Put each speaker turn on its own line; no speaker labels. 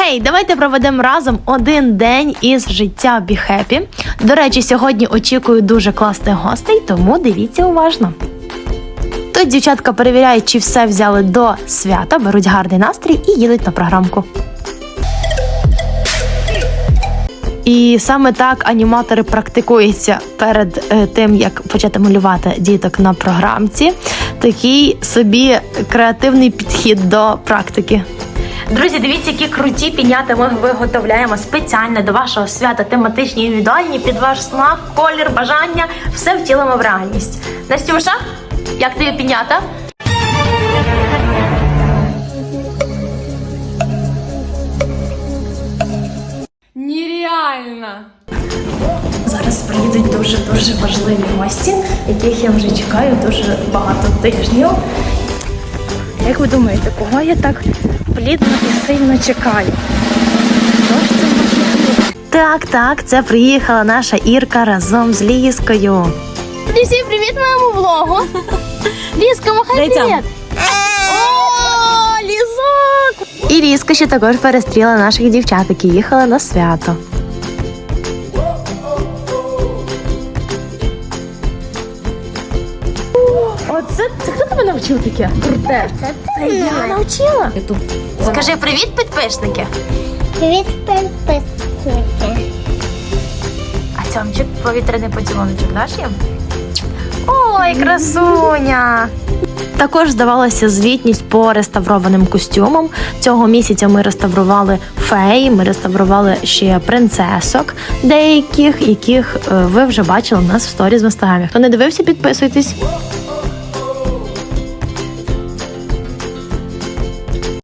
Гей, давайте проведемо разом один день із життя Be Happy. До речі, сьогодні очікую дуже класних гостей, тому дивіться уважно. Тут дівчатка перевіряють, чи все взяли до свята, беруть гарний настрій і їдуть на програмку. І саме так аніматори практикуються перед тим, як почати малювати діток на програмці. Такий собі креативний підхід до практики. Друзі, дивіться, які круті пінята ми виготовляємо спеціально до вашого свята, тематичні, індивідуальні, під ваш смак, колір, бажання. Все втілимо в реальність. Настюша, як тобі пінята?
Нереально!
Зараз приїдуть дуже важливі гості, яких я вже чекаю дуже багато тижнів. Як ви думаєте, кого я так плідно і сильно чекаю? Хто ж це може бути? Так, це приїхала наша Ірка разом з Ліскою.
Всім привіт моєму влогу. Лізка, махай привіт. О, Лізок!
І Ліска ще також перестріла наших дівчат, які їхали на свято. Оце хто тебе навчив таке? Круте. Це я навчила. Скажи привіт, підписники.
Привіт, підписники.
А цьомчик повітряний поцілуночок даш їм? Ой, красуня! Також здавалася звітність по реставрованим костюмам. Цього місяця ми реставрували фей, ми реставрували ще принцесок деяких, яких ви вже бачили у нас в сторіз в інстаграмі. Хто не дивився, підписуйтесь.